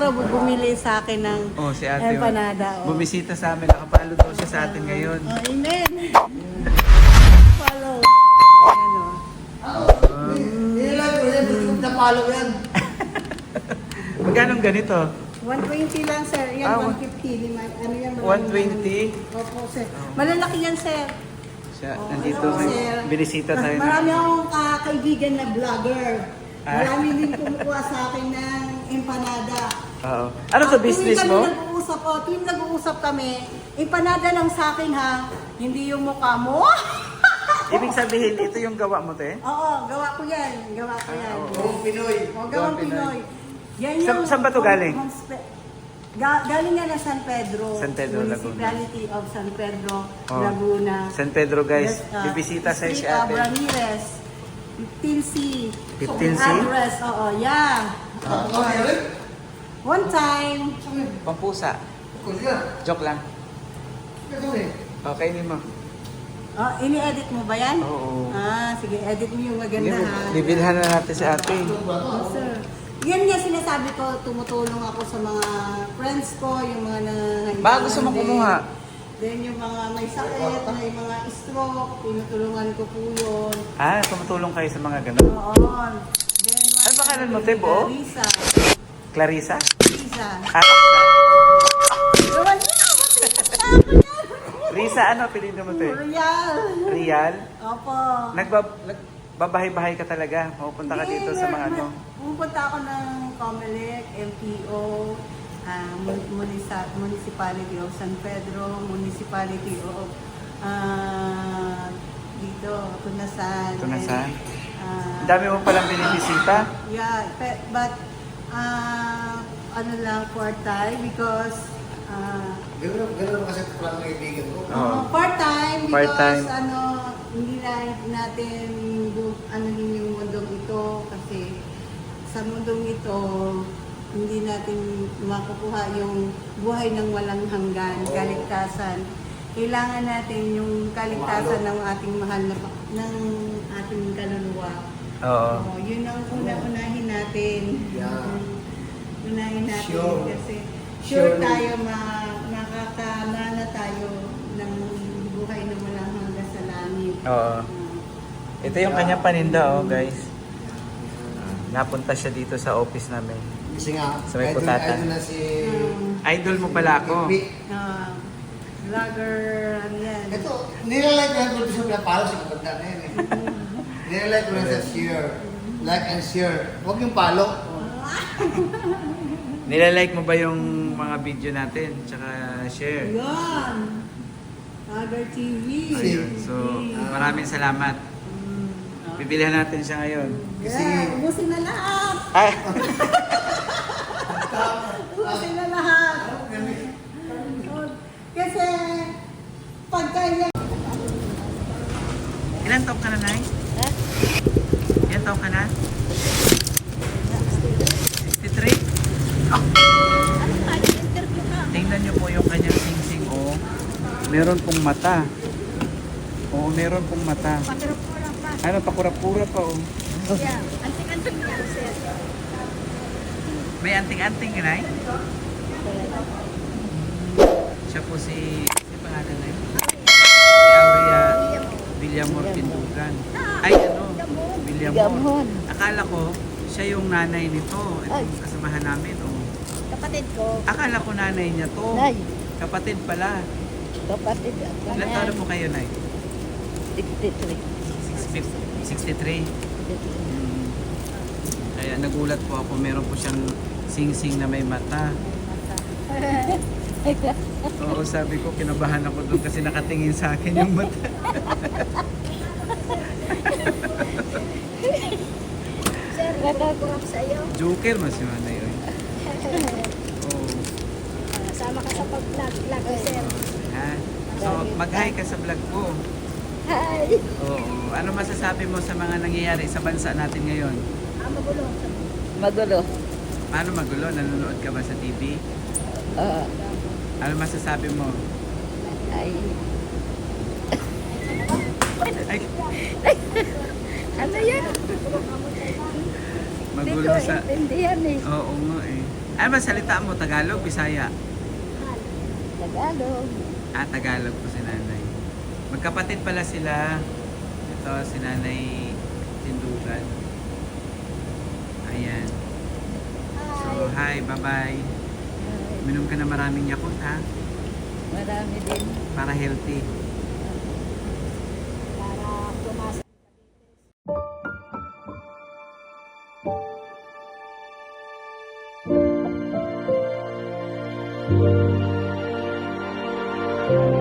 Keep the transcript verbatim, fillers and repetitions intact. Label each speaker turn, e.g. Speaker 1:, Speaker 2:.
Speaker 1: daw bumili sa akin ng
Speaker 2: Oh, si ate.
Speaker 1: empanada. Oh.
Speaker 2: Bumisita sa amin. Nakapalo daw siya sa atin ngayon.
Speaker 1: Oh, amen. Follow. Ayan o.
Speaker 3: Nilag ko yan, napalo yan.
Speaker 2: Magkano ganito?
Speaker 1: one twenty lang, sir. Yan,
Speaker 2: Ah,
Speaker 1: one fifty. Lima, ano yan?
Speaker 2: one twenty?
Speaker 1: Opo, sir. Malalaki yan, sir.
Speaker 2: Siya,
Speaker 1: Oo,
Speaker 2: nandito.
Speaker 1: oo,
Speaker 2: May
Speaker 1: sir.
Speaker 2: binisita
Speaker 1: Mas
Speaker 2: tayo. na-
Speaker 1: Marami akong uh, kaibigan na vlogger.
Speaker 2: Ah.
Speaker 1: Marami din kumukuha sa akin ng empanada.
Speaker 2: Oo. Ano to
Speaker 1: Ah,
Speaker 2: business
Speaker 1: tuwing
Speaker 2: mo?
Speaker 1: kami nag-uusap, oh, tuwing nag-uusap kami, empanada lang sa akin ha, hindi yung mukha mo.
Speaker 2: Ibig sabihin, ito yung gawa mo, te?
Speaker 1: Oo, gawa ko yan. Gawa ko yan.
Speaker 2: Ah, oo.
Speaker 3: Gawang Pinoy.
Speaker 1: Oh,
Speaker 2: Gawang
Speaker 1: gawang
Speaker 2: Pinoy.
Speaker 1: Pinoy. Yan
Speaker 2: Sa- saan ba to galing?
Speaker 1: homespe- Ga- galing yan na San Pedro.
Speaker 2: San Pedro, Laguna.
Speaker 1: Municipality of San Pedro,
Speaker 2: Oh.
Speaker 1: Laguna.
Speaker 2: San Pedro, guys.
Speaker 1: Yes, ah,
Speaker 2: Bibisita sa si
Speaker 1: Street of
Speaker 2: ate.
Speaker 1: Ramirez. fifteen C.
Speaker 2: fifteen C?
Speaker 1: Address, oo, yeah.
Speaker 3: Ano ka rin?
Speaker 1: One time.
Speaker 2: Pampusa.
Speaker 3: Kulit ka.
Speaker 2: Joke lang.
Speaker 3: Ito eh.
Speaker 2: Okay, ni mo.
Speaker 1: Oh, ini-edit mo ba yan?
Speaker 2: Oo.
Speaker 1: Ah, sige, edit mo yung maganda ha.
Speaker 2: Bibilhan na natin si ate.
Speaker 1: Oh, sir. Yan nga sinasabi ko, tumutulong ako sa mga friends ko, yung mga nangangailangan.
Speaker 2: Baka gusto mo
Speaker 1: din.
Speaker 2: kumuha.
Speaker 1: Then yung mga may sakit, may mga stroke, tinutulungan ko po yun.
Speaker 2: Ah, tumutulong kayo sa mga ganun.
Speaker 1: Oo. Then,
Speaker 2: Ano ba kanan mo, te, buo?
Speaker 1: Lisa.
Speaker 2: Clarissa?
Speaker 1: Lisa.
Speaker 2: Ah,
Speaker 1: Gawan niya! Ako niya!
Speaker 2: Risa, ano? Piliin mo, te?
Speaker 1: Royal.
Speaker 2: Rial?
Speaker 1: Opo.
Speaker 2: Nagbab nagbabahay-bahay ka talaga. Pupunta ka dito sa mga ano.
Speaker 1: Pupunta ako ng Comelec, M P O, ah, mun- munisa- Municipality of San Pedro, Municipality of ah, dito, Tunasan.
Speaker 2: Tunasan?
Speaker 1: Ah,
Speaker 2: Ang dami mo palang binibisita.
Speaker 1: Yeah, pe- but ah, ano lang for time because ah,
Speaker 3: Gano'n, gano'n kasi parang kaibigan ko.
Speaker 2: Oo.
Speaker 1: Uh, part-time because
Speaker 2: Part-time.
Speaker 1: ano, hindi na natin bu- ano din yung mundong ito kasi sa mundong ito hindi natin makukuha yung buhay ng walang hanggan, kaligtasan. Kailangan natin yung kaligtasan ng ating mahal na pa- ng ating kaluluwa.
Speaker 2: Oo.
Speaker 1: Oo, yun ang una-unahin natin.
Speaker 3: Yeah.
Speaker 1: Unahin natin
Speaker 3: Sure.
Speaker 1: kasi
Speaker 3: Sure.
Speaker 1: sure tayo ma makakamana tayo ng buhay na walang hanggan sa langit.
Speaker 2: Oo.
Speaker 1: Ah,
Speaker 2: Ito yung kanyang paninda, oh, guys. Napunta siya dito sa office namin.
Speaker 3: Kasi nga,
Speaker 2: Sa may
Speaker 3: idol-
Speaker 2: putata.
Speaker 3: idol na si...
Speaker 1: um,
Speaker 2: Idol mo pala ako.
Speaker 3: Vic.
Speaker 1: ah, vlogger, ano yan.
Speaker 3: Ito, nilalike ko yung gusto na palo sa kapagda na yun eh. Nilalike ko na sa share. Like and share. Huwag yung palo.
Speaker 2: Nilalike mo ba yung mga video natin? Tsaka share.
Speaker 1: Yan. Vlogger T V.
Speaker 2: Ayun. So, maraming salamat.
Speaker 1: Mm, ah.
Speaker 2: Bibilihan natin siya ngayon.
Speaker 3: Kasi-
Speaker 1: Yeah, ubusin na lahat.
Speaker 2: Ay!
Speaker 1: Ubusin na lahat. Kasi, pagka yan,
Speaker 2: Ilan taong ka na, Nay? Ilan taong ka na? sixty-three? Oh. Tingnan niyo po yung kanyang singsing, oh. Meron pong mata. Oo, meron pong mata. Ano, pakura-pura pa, oh. May anting-anting ka, Nay? Siya po si... Si pangalan na yun? Si Aurea Villamor Pindugan. Ay, ano? Villamor. Akala ko, siya yung nanay nito. Itong kasamahan namin, oh.
Speaker 4: Kapatid ko,
Speaker 2: Akala ko nanay niya to.
Speaker 4: Nay.
Speaker 2: Kapatid pala.
Speaker 4: kapatid ako
Speaker 2: Ilan
Speaker 4: na
Speaker 2: taon
Speaker 4: yan.
Speaker 2: na po kayo, Nay?
Speaker 4: sixty-three.
Speaker 2: sixty-three. Hmm. Kaya nagulat po ako, meron po siyang sing-sing na may mata. Oo, sabi ko, kinabahan ako doon kasi nakatingin sa akin yung mata.
Speaker 4: Sir, nakakurap sa iyo.
Speaker 2: Joker mas yung nanay yun. Oo.
Speaker 4: Ah, sama ka sa pag-vlog, vlog ko, sir.
Speaker 2: Ha? So, mag-hi ka sa vlog ko.
Speaker 4: Hi!
Speaker 2: Oo. Ano masasabi mo sa mga nangyayari sa bansa natin ngayon?
Speaker 4: Ah, magulo. Magulo.
Speaker 2: Paano magulo? Nanonood ka ba sa T V?
Speaker 4: Oo.
Speaker 2: Ano masasabi mo?
Speaker 4: Ay.
Speaker 2: Ay,
Speaker 4: Ano yan?
Speaker 2: magulo
Speaker 4: Hindi ko
Speaker 2: sa...
Speaker 4: intindihan eh.
Speaker 2: Oo nga eh. Ay, masalita mo, Tagalog, Bisaya.
Speaker 4: Tagalog.
Speaker 2: Ah, Tagalog po si nanay. Magkapatid pala sila. Ito, si nanay Tindugan. Ayan. So, hi, bye-bye.
Speaker 4: Ay,
Speaker 2: Minom ka na maraming Yakult, ha?
Speaker 4: marami din.
Speaker 2: Para healthy.
Speaker 4: Para tumas.
Speaker 5: Thank you.